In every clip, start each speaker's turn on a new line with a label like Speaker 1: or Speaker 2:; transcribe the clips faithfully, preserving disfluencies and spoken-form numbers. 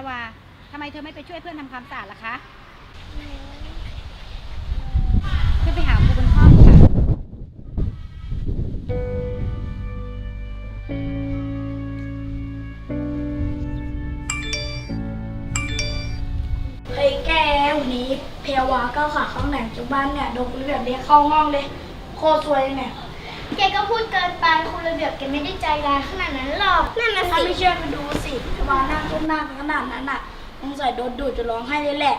Speaker 1: วาทำไมเธอไม่ไปช่วยเพื่อนทำความสะอาดล่ะคะขึ้นไปหาครูบนห้องค่ะ
Speaker 2: เฮ้ยแกวันนี้แพรวาก้าวขาข้างไหนจากบ้านเนี่ยโดนคุณระเบียบเรียกเข้าห้องเลยโคตรสวยเนี่ย
Speaker 3: แกก็พูดเกินไปคุณระเบียบแกไม่ได้ใจร้ายขนาดนั้นหรอกนั่นน่ะ
Speaker 2: ถ้า
Speaker 3: สิ
Speaker 2: ไม่เชื่อไปดูสิแพรวานั่งก้มหน้าขนาดนั้นน่ะสงสัยโดนดูดจะร้องไห้เลยแหละ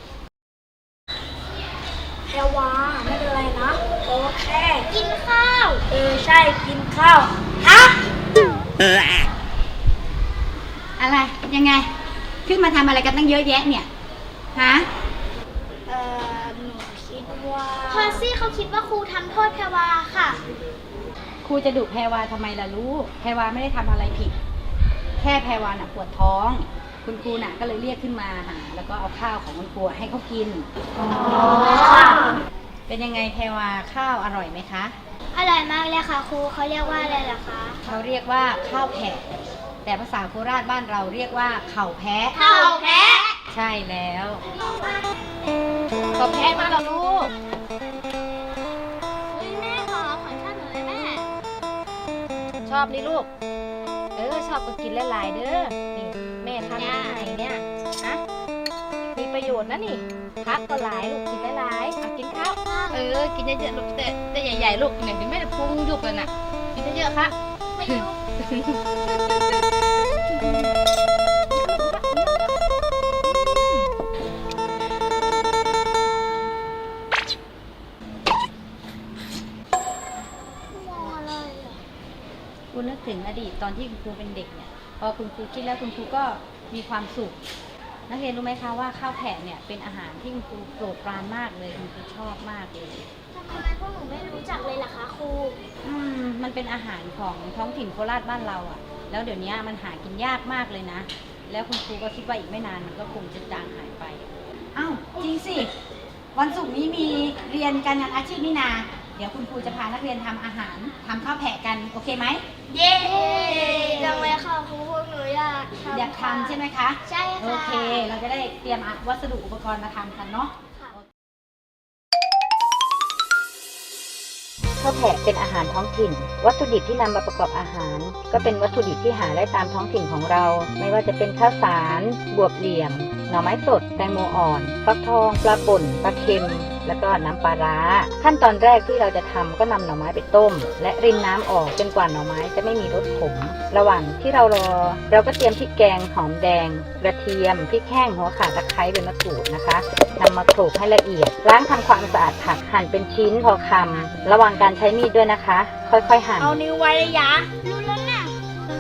Speaker 2: แพรวาไม่เป็นไรนะโอเค
Speaker 3: กินข้าว
Speaker 2: เออใช่กินข้าวฮะ
Speaker 1: อะไรยังไงขึ้นมาทำอะไรกันตั้งเยอะแยะเนี่ยฮะ
Speaker 2: เออหนูคิดว่า
Speaker 3: พอซี่เขาคิดว่าครูทำโทษแพรวาค่ะ
Speaker 1: ครูจะดุแพรวาทำไมล่ะลูกแพรวาไม่ได้ทำอะไรผิดแค่แพรวาน่ะปวดท้องคุณครูน่ะก็เลยเรียกขึ้นมาหาแล้วก็เอาข้าวของคุณครูให้เขากินอ๋อเป็นยังไงแพรวาข้าวอร่อยไหมคะ
Speaker 3: อร่อยมากเลยค่ะครูเขาเรียกว่าอะไรล่ะคะ
Speaker 1: เขาเรียกว่าข้าวแผะแต่ภาษาโคราชบ้านเราเรียกว่าเข่าแพะ
Speaker 3: ข้าวแพะ
Speaker 1: ใช่แล้วเข่าแพะมาแล้วลูก
Speaker 3: เฮ้ยแม่ขอขอชอบหนูเลยแม่
Speaker 1: ชอบนี่ลูกเออชอบก็กินหลายๆเด้อนี่แม่ทำยังไงเนี่ยนะมีประโยชน์นะนี่พักก็หลายลูกกินหลายๆอ่ะกินข้าวเออกินเยอะๆลูกแต่แต่ใหญ่ๆลูกเนี่ยเดี๋ยวแม่จะพุงยุบเลยน่ะกินเยอะๆค่ะ
Speaker 3: ไม่รู้มองอะไรอ่ะ
Speaker 1: คุณนึกถึงอดีตตอนที่คุณครูเป็นเด็กเนี่ยพอคุณครูคิดแล้วคุณครูก็มีความสุขนักเรียนรู้ไหมคะว่าข้าวแผะเนี่ยเป็นอาหารที่คุณครูโปรดปรานมากเลยคุณครูชอบมากเลย
Speaker 3: ทำไมพวกหนูไม่รู้จักเลยล่ะคะครู
Speaker 1: อืมมันเป็นอาหารของท้องถิ่นโคราชบ้านเราอะ่ะแล้วเดี๋ยวนี้มันหากินยากมากเลยนะแล้วคุณครูก็คิดว่าอีกไม่นานมันก็คงจะจางหายไปอ้าวจริงสิวันศุกร์นี้มีเรียนการงานอาชีพนี่นาเดี๋ยวคุณครูจะพานักเรียนทำอาหารทำข้าวแผะกันโอเคไหม
Speaker 3: เย้จังเลยค่ะครูพวกหนูอยากทำ
Speaker 1: อยากทำใช่ไหมคะ
Speaker 3: ใช่ค่ะ
Speaker 1: โอเค เราจะได้เตรียมวัสดุอุปกรณ์มาทำกันเนาะ
Speaker 3: ค่ะ
Speaker 1: ข้าวแผะเป็นอาหารท้องถิ่น วัตถุดิบที่นำมาประกอบอาหาร ก็เป็นวัตถุดิบที่หาได้ตามท้องถิ่นของเรา ไม่ว่าจะเป็นข้าวสาร บวบเหลี่ยม หน่อไม้สด แตงโมอ่อน ฟักทอง ปลาป่น ปลาเค็ม แล้วก็น้ำปลาร้า ขั้นตอนแรกที่เราจะทำก็นำหน่อไม้ไปต้ม และรินน้ำออกจนกว่าหน่อไม้จะไม่มีรสขม ระหว่างที่เรารอ เราก็เตรียมพริกแกง หอมแดง กระเทียม พริกแห้ง หัวข่าตะไคร้ใบมะกรูดนะคะนำมาโขลกให้ละเอียด ล้างทำความสะอาดผักหั่นเป็นชิ้นพอคำระวังการใช้มีดด้วยนะคะ ค่อยๆหั่น
Speaker 2: เอานิ้วไว้ระยะ
Speaker 3: รู้แล้วน่ะ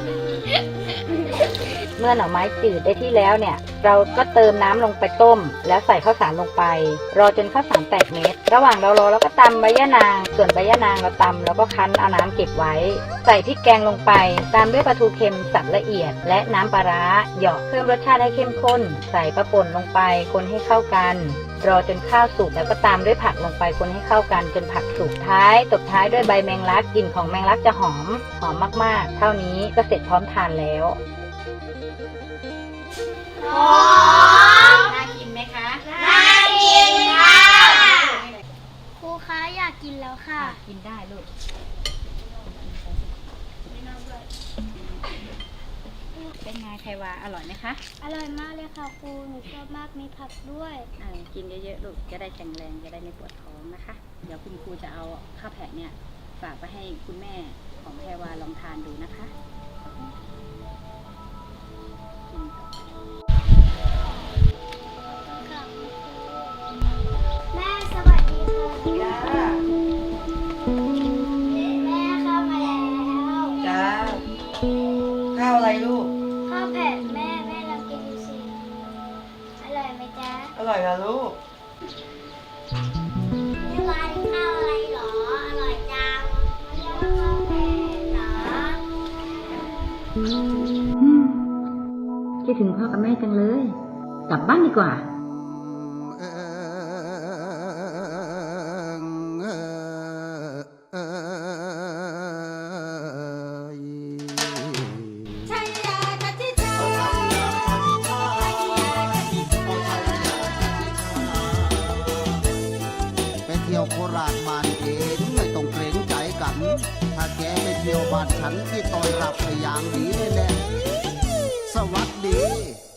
Speaker 1: เมื่อหน่อไม้จืดได้ที่แล้วเนี่ยเราก็เติมน้ำลงไปต้มแล้วใส่ข้าวสารลงไปรอจนข้าวสารแตกเม็ดระหว่างเรารอเราก็ตำใบยะนางส่วนใบยะนางเราตำแล้วก็คั้นเอาน้ำเก็บไว้ใส่พริกแกงลงไปตามด้วยปลาทูเค็มสับละเอียดและน้ำปลาร้าเหยาะเพิ่มรสชาติให้เข้มข้นใส่ปลาป่นลงไปคนให้เข้ากันรอจนข้าวสุกแล้วก็ตามด้วยผักลงไปคนให้เข้ากันจนผักสุกท้ายตบท้ายด้วยใบแมงลักกลิ่นของแมงลักจะหอมหอมมากๆเท่านี้ก็เสร็จพร้อมทานแล้ว
Speaker 3: หอม
Speaker 1: น่ากินไหมคะ
Speaker 3: น่ากินค่ะครูคะอยากกินแล้วค่ะ
Speaker 1: กินได้ลูกเป็นไงไทวาอร่อยไหมคะ
Speaker 3: อร่อยมากเลยค่ะครูหนูชอบมากมีผักด้วย
Speaker 1: อ่ากินเยอะๆลูกจะได้แข็งแรงจะได้ไม่ปวดท้องนะคะเดี๋ยวคุณครูจะเอาข้าวแผะเนี่ยฝากไปให้คุณแม่ของไทวาลองทานดูนะคะกินต่อ
Speaker 3: แม่สวัสดีค่ะ
Speaker 4: จ้า
Speaker 3: แม่เข้ามาแล้ว
Speaker 4: จ้าข้าวอะไรลูก
Speaker 3: ข้าวแผ่นแม่แม่ลองกินดูสิอร่อยไหมจ๊ะ
Speaker 4: อร่อยนะลูก
Speaker 3: นี่ร้านข้าวอะไรหรออร่อยจังเรียกว่าข้าวแผ่นเหรอ
Speaker 1: คิดถึงพ่อกับแม่จังเลย กลับบ้านดีกว่า
Speaker 5: ถ้าแกไม่เที่ยวบ้านฉันที่ต้อนรับไปอย่างดีเลยแหละสวัสดี